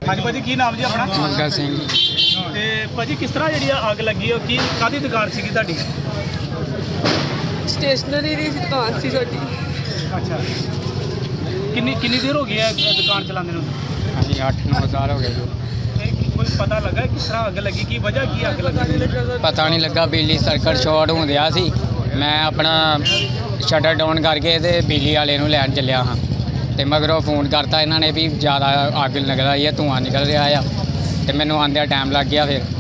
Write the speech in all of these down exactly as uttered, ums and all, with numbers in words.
हाँ जी भाजी की नाम जी अपना? मंगा सिंह। ते भाजी किस तरह जी अग लगी है की कादी दुकान सी तुहाडी? स्टेशनरी की दुकान सी साडी। अच्छा किन्नी किन्नी देर हो गई है दुकान चलाने नूं? अभी आठ नौ साल हो गए जो। ते कोई पता लगा किस तरह अग लगी की वजह की अग लगी? पता नहीं लगा, बिजली सर्किट शॉर्ट होंदिया सी। मैं अपना शटर डाउन करके ते बिजली वाले नूं लैन चलिया हाँ, तो मगरों फोन करता इन्होंने भी ज़्यादा अग निकल रही है, धुआं निकल रहा है, तो मैनू आंदे टाइम लग गया। फिर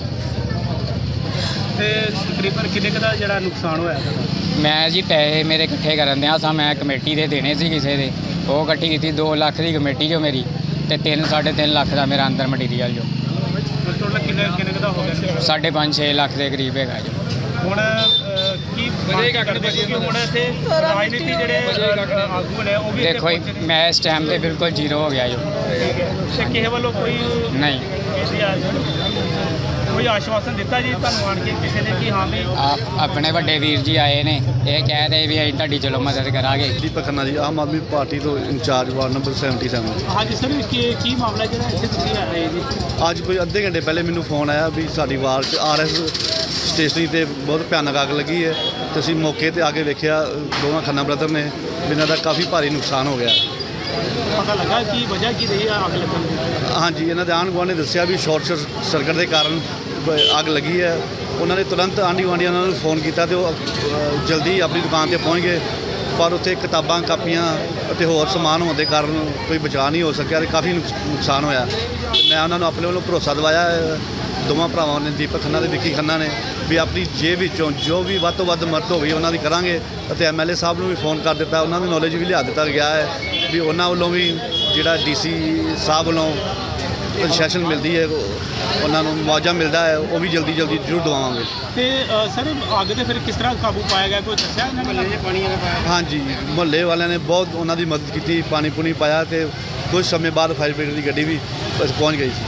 ते तकरीबन किन्ने क दा जिहड़ा नुकसान होया? मैं जी पैसे मेरे इकट्ठे करन दिया सा, मैं कमेटी दे देने सी किसी दे, वो इकट्ठी की दो लख की कमेटी जो मेरी, तो तीन साढ़े तीन लख का मेरा अंदर मटीरियल जो टोटल किन्ने किन्ने क दा हो गया? साढ़े पाँच छे लख के करीब है जो। ਹੁਣ ਕੀ ਕਰਦੇ ਕਿ ਹੁਣ ਇੱਥੇ ਰਾਜਨੀਤੀ ਜਿਹੜੇ ਆਗੂ ਨੇ ਉਹ ਵੀ देखो जी, मैं इस टाइम पे बिल्कुल जीरो हो गया जो। ਤੇ ਕਿਸੇ ਵੱਲੋਂ ਕੋਈ नहीं, ਕੋਈ ਆਸ਼ਵਾਸਨ ਦਿੱਤਾ ਜੀ ਤੁਹਾਨੂੰ ਆਣ ਕੇ ਕਿਸੇ ਨੇ ਕਿ ਹਾਂ ਵੀ आप अपने बड़े वीर जी आए ने, ये कह रहे भी ਅਸੀਂ ਤੁਹਾਡੀ ਚਲੋ ਮਦਦ ਕਰਾਂਗੇ। ਦੀਪਕ ਖੰਨਾ ਜੀ, ਆਮ ਆਦਮੀ ਪਾਰਟੀ ਤੋਂ ਇੰਚਾਰਜ ਵਾਰਡ ਨੰਬਰ ਸਤੱਤਰ। ਹਾਂਜੀ ਸਰ ਕੀ ਕੀ ਮਾਮਲਾ ਜਿਹੜਾ ਇੱਥੇ ਤੁਸੀਂ ਆ ਰਹੇ ਜੀ? ਅੱਜ ਕੋਈ ਅੱਧੇ ਘੰਟੇ ਪਹਿਲੇ ਮੈਨੂੰ ਫੋਨ ਆਇਆ ਵੀ ਸਾਡੀ ਵਾਰਡ 'ਚ ਆਰ ਐਸ ਸਟੇਸ਼ਨਰੀ 'ਤੇ ਬਹੁਤ ਭਿਆਨਕ ਅੱਗ ਲੱਗੀ ਹੈ, ਤੇ ਅਸੀਂ ਮੌਕੇ 'ਤੇ ਆ ਕੇ ਵੇਖਿਆ ਦੋਵਾਂ ਖੰਨਾ ਬ੍ਰਦਰ ਨੇ, ਇਹਨਾਂ ਦਾ ਕਾਫੀ ਭਾਰੀ ਨੁਕਸਾਨ ਹੋ ਗਿਆ। ਪਤਾ ਲੱਗਾ ਕਿ ਵਜ੍ਹਾ ਕੀ ਰਹੀ ਆ ਅੱਗ ਲੱਗਣ ਦੀ? ਹਾਂਜੀ, ਇਹਨਾਂ ਦੇ ਆਂਢ ਗੁਆਂਢ ਨੇ ਦੱਸਿਆ ਵੀ ਸ਼ਾਰਟ ਸਰਕਟ ਦੇ ਕਾਰਨ ਬ- ਅੱਗ ਲੱਗੀ ਹੈ। ਉਹਨਾਂ ਨੇ ਤੁਰੰਤ ਆਂਢੀ ਗੁਆਂਢੀਆਂ ਨੂੰ ਫੋਨ ਕੀਤਾ ਤੇ ਉਹ ਅ, ਜਲਦੀ ਆਪਣੀ ਦੁਕਾਨ 'ਤੇ ਪਹੁੰਚ ਗਏ, ਪਰ ਉੱਥੇ ਕਿਤਾਬਾਂ ਕਾਪੀਆਂ ਅਤੇ ਹੋਰ ਸਮਾਨ ਹੋਣ ਦੇ ਕਾਰਨ ਕੋਈ ਬਚਾਅ ਨਹੀਂ ਹੋ ਸਕਿਆ ਤੇ ਕਾਫੀ ਨੁਕਸ- ਨੁਕਸਾਨ ਹੋਇਆ। ਤੇ ਮੈਂ ਉਹਨਾਂ ਨੂੰ ਆਪਣੇ ਵੱਲੋਂ ਭਰੋਸਾ ਦਿਵਾਇਆ ਹੈ, ਦੋਵਾਂ ਭਰਾਵਾਂ ਨੇ, ਦੀਪਕ ਖੰਨਾ ਤੇ ਵਿੱਕੀ ਖੰਨਾ ਨੇ, ਵੀ ਆਪਣੀ ਜੇਬ ਵਿੱਚੋਂ ਜੋ ਵੀ ਵੱਧ ਤੋਂ ਵੱਧ ਮਦਦ ਹੋਈ ਉਹਨਾਂ ਦੀ ਕਰਾਂਗੇ। ਅਤੇ ਐਮ ਐਲ ਏ ਸਾਹਿਬ ਨੂੰ ਵੀ ਫੋਨ ਕਰ ਦਿੱਤਾ, ਉਹਨਾਂ ਦੀ ਨੌਲੇਜ ਵੀ ਲਿਆ ਦਿੱਤਾ ਗਿਆ ਹੈ ਵੀ ਉਹਨਾਂ ਵੱਲੋਂ ਵੀ ਜਿਹੜਾ ਡੀ ਸੀ ਸਾਹਿਬ ਵੱਲੋਂ ਕੰਸੈਸ਼ਨ ਮਿਲਦੀ ਹੈ, ਉਹਨਾਂ ਨੂੰ ਮੁਆਵਜ਼ਾ ਮਿਲਦਾ ਹੈ, ਉਹ ਵੀ ਜਲਦੀ ਜਲਦੀ ਜ਼ਰੂਰ ਦਵਾਵਾਂਗੇ। ਤੇ ਸਰ ਅੱਗ ਤੇ ਫਿਰ ਕਿਸ ਤਰ੍ਹਾਂ ਕਾਬੂ ਪਾਇਆ ਗਿਆ, ਕੋਈ ਦੱਸਿਆ ਇਹਨਾਂ ਨੇ? ਪਾਣੀ ਹਾਂਜੀ, ਮੁਹੱਲੇ ਵਾਲਿਆਂ ਨੇ ਬਹੁਤ ਉਹਨਾਂ ਦੀ ਮਦਦ ਕੀਤੀ, ਪਾਣੀ ਪੂਣੀ ਪਾਇਆ, ਤੇ ਕੁਝ ਸਮੇਂ ਬਾਅਦ ਫਾਇਰ ਬ੍ਰਿਗੇਡ ਦੀ ਗੱਡੀ ਵੀ ਪਹੁੰਚ ਗਈ ਸੀ।